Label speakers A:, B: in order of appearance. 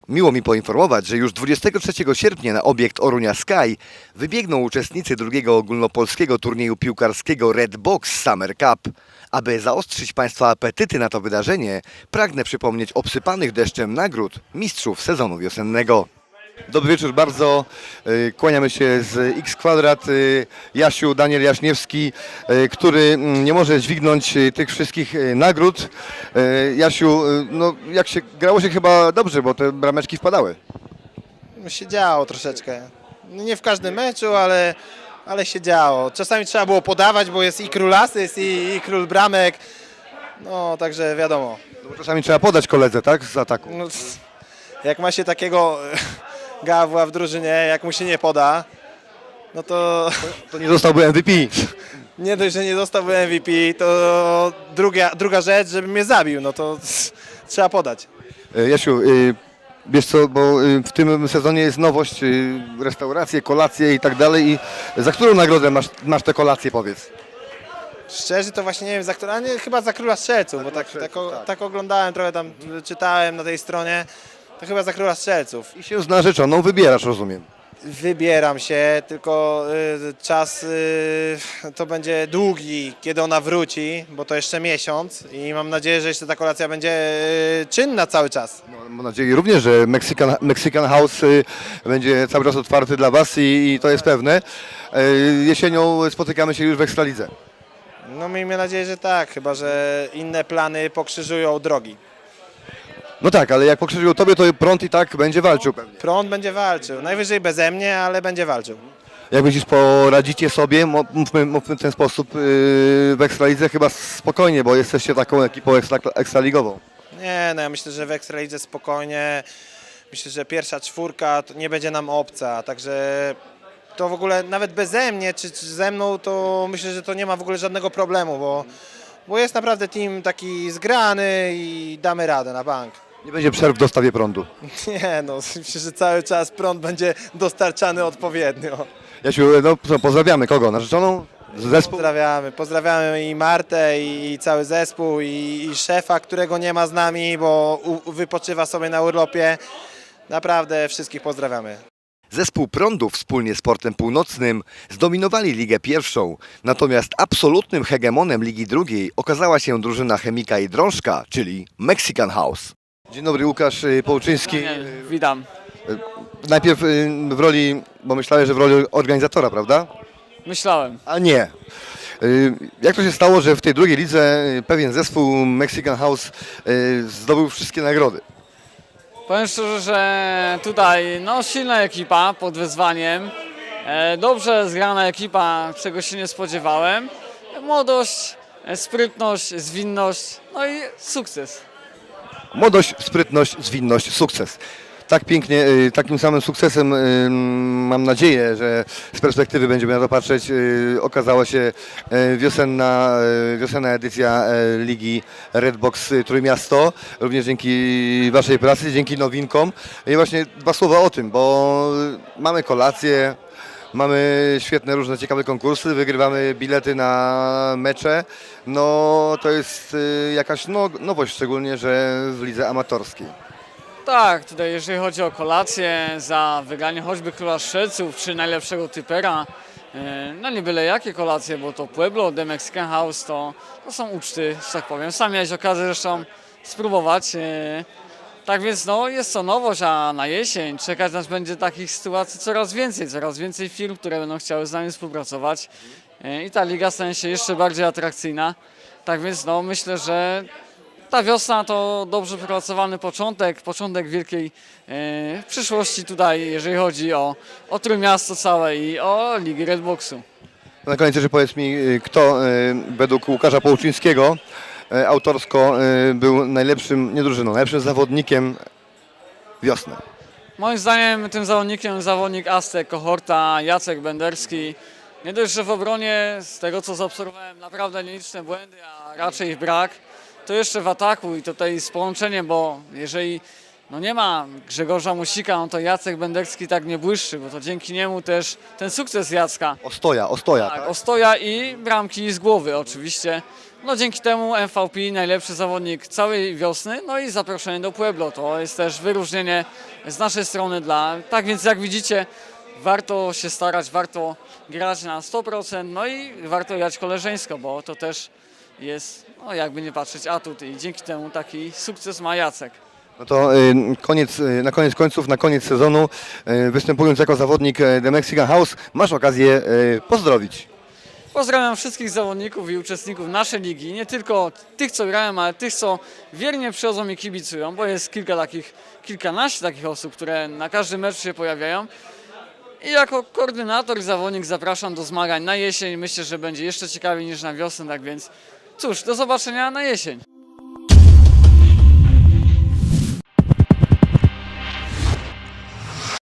A: Miło mi poinformować, że już 23 sierpnia na obiekt Orunia Sky wybiegną uczestnicy drugiego ogólnopolskiego turnieju piłkarskiego Red Box Summer Cup. Aby zaostrzyć Państwa apetyty na to wydarzenie, pragnę przypomnieć o obsypanych deszczem nagród mistrzów sezonu wiosennego. Dobry wieczór bardzo. Kłaniamy się z X Kwadrat. Jasiu, Daniel Jaśniewski, który nie może dźwignąć tych wszystkich nagród. Jasiu, no jak się grało się chyba dobrze, bo te brameczki wpadały.
B: Się działo troszeczkę. No nie w każdym meczu, ale się działo. Czasami trzeba było podawać, bo jest i król asyst, i król bramek. No także wiadomo.
A: No, bo czasami trzeba podać koledze, tak, z ataku.
B: No, jak ma się takiego gawła w drużynie, jak mu się nie poda, no to
A: To nie zostałby MVP.
B: nie dość, że nie dostałby MVP, to druga rzecz, żeby mnie zabił, no to trzeba podać.
A: Jasiu, wiesz co, bo w tym sezonie jest nowość, restauracje, kolacje i tak dalej. I za którą nagrodę masz te kolacje, powiedz?
B: Szczerze to właśnie nie wiem, za którą, a nie, chyba za Króla Strzelców, bo tak oglądałem, trochę tam czytałem na tej stronie, to chyba za Króla Strzelców.
A: I się z narzeczoną wybierasz, rozumiem.
B: Wybieram się, tylko czas to będzie długi, kiedy ona wróci, bo to jeszcze miesiąc i mam nadzieję, że jeszcze ta kolacja będzie czynna cały czas.
A: No, mam nadzieję również, że Mexican House będzie cały czas otwarty dla Was i to jest pewne. Jesienią spotykamy się już w Ekstralidze.
B: No miejmy nadzieję, że tak, chyba że inne plany pokrzyżują drogi.
A: No tak, ale jak pokrzyżują Tobie, to prąd i tak będzie walczył pewnie.
B: Prąd będzie walczył, najwyżej beze mnie, ale będzie walczył.
A: Jak myślisz, poradzicie sobie, mówmy w ten sposób, w Ekstralidze chyba spokojnie, bo jesteście taką ekipą ekstraligową.
B: Nie, no ja myślę, że w Ekstralidze spokojnie, myślę, że pierwsza czwórka to nie będzie nam obca, także to w ogóle nawet beze mnie czy ze mną to myślę, że to nie ma w ogóle żadnego problemu, bo jest naprawdę team taki zgrany i damy radę na bank.
A: Nie będzie przerw w dostawie prądu.
B: Nie no, myślę, że cały czas prąd będzie dostarczany odpowiednio.
A: Jasiu, no co, pozdrawiamy kogo? Narzeczoną? Zespół?
B: Pozdrawiamy i Martę i cały zespół i szefa, którego nie ma z nami, bo wypoczywa sobie na urlopie. Naprawdę wszystkich pozdrawiamy.
A: Zespół Prądu wspólnie z Portem Północnym zdominowali Ligę Pierwszą, natomiast absolutnym hegemonem Ligi Drugiej okazała się drużyna Chemika i Drążka, czyli Mexican House. Dzień dobry, Łukasz Połczyński.
C: Witam.
A: Najpierw w roli, bo myślałem, że w roli organizatora, prawda?
C: Myślałem.
A: A nie. Jak to się stało, że w tej drugiej lidze pewien zespół Mexican House zdobył wszystkie nagrody?
C: Powiem szczerze, że tutaj silna ekipa pod wyzwaniem. Dobrze zgrana ekipa, czego się nie spodziewałem. Młodość, sprytność, zwinność, no i sukces.
A: Młodość, sprytność, zwinność, sukces. Tak pięknie, takim samym sukcesem mam nadzieję, że z perspektywy będziemy na to patrzeć. Okazała się wiosenna edycja Ligi Red Box Trójmiasto, również dzięki Waszej pracy, dzięki nowinkom. I właśnie dwa słowa o tym, bo mamy kolację, mamy świetne, różne ciekawe konkursy, wygrywamy bilety na mecze. No to jest jakaś nowość, szczególnie, że w lidze amatorskiej.
C: Tak, tutaj jeżeli chodzi o kolację, za wygranie choćby Króla Strzelców czy najlepszego typera, no nie byle jakie kolacje, bo to Pueblo, The Mexican House, to są uczty, że tak powiem. Sam miałeś okazję zresztą spróbować. Tak więc jest to nowość, a na jesień czekać nas będzie takich sytuacji coraz więcej firm, które będą chciały z nami współpracować i ta liga stanie się jeszcze bardziej atrakcyjna. Tak więc myślę, że ta wiosna to dobrze wypracowany początek wielkiej przyszłości tutaj, jeżeli chodzi o Trójmiasto całe i o Ligę Red Boxu.
A: Na koniec jeszcze powiedz mi, kto według Łukasza Połczyńskiego autorsko był najlepszym, nie drużyną, najlepszym zawodnikiem wiosny.
C: Moim zdaniem tym zawodnikiem jest zawodnik Aztek Kohorta, Jacek Benderski. Nie dość, że w obronie, z tego co zaobserwowałem, naprawdę nieliczne błędy, a raczej ich brak, to jeszcze w ataku i tutaj z połączeniem, bo jeżeli no nie ma Grzegorza Musika, no to Jacek Bendecki tak nie błyszczy, bo to dzięki niemu też ten sukces Jacka.
A: Ostoja,
C: Tak,
A: tak?
C: Ostoja i bramki z głowy oczywiście. No dzięki temu MVP najlepszy zawodnik całej wiosny, no i zaproszenie do Pueblo. To jest też wyróżnienie z naszej strony tak więc jak widzicie, warto się starać, warto grać na 100%, no i warto grać koleżeńsko, bo to też jest, no jakby nie patrzeć, atut i dzięki temu taki sukces ma Jacek.
A: No to na koniec końców, na koniec sezonu, występując jako zawodnik The Mexican House, masz okazję pozdrowić.
C: Pozdrawiam wszystkich zawodników i uczestników naszej ligi, nie tylko tych, co grają, ale tych, co wiernie przychodzą i kibicują, bo jest kilkanaście takich osób, które na każdym meczu się pojawiają. I jako koordynator i zawodnik zapraszam do zmagań na jesień. Myślę, że będzie jeszcze ciekawiej niż na wiosnę, tak więc cóż, do zobaczenia na jesień.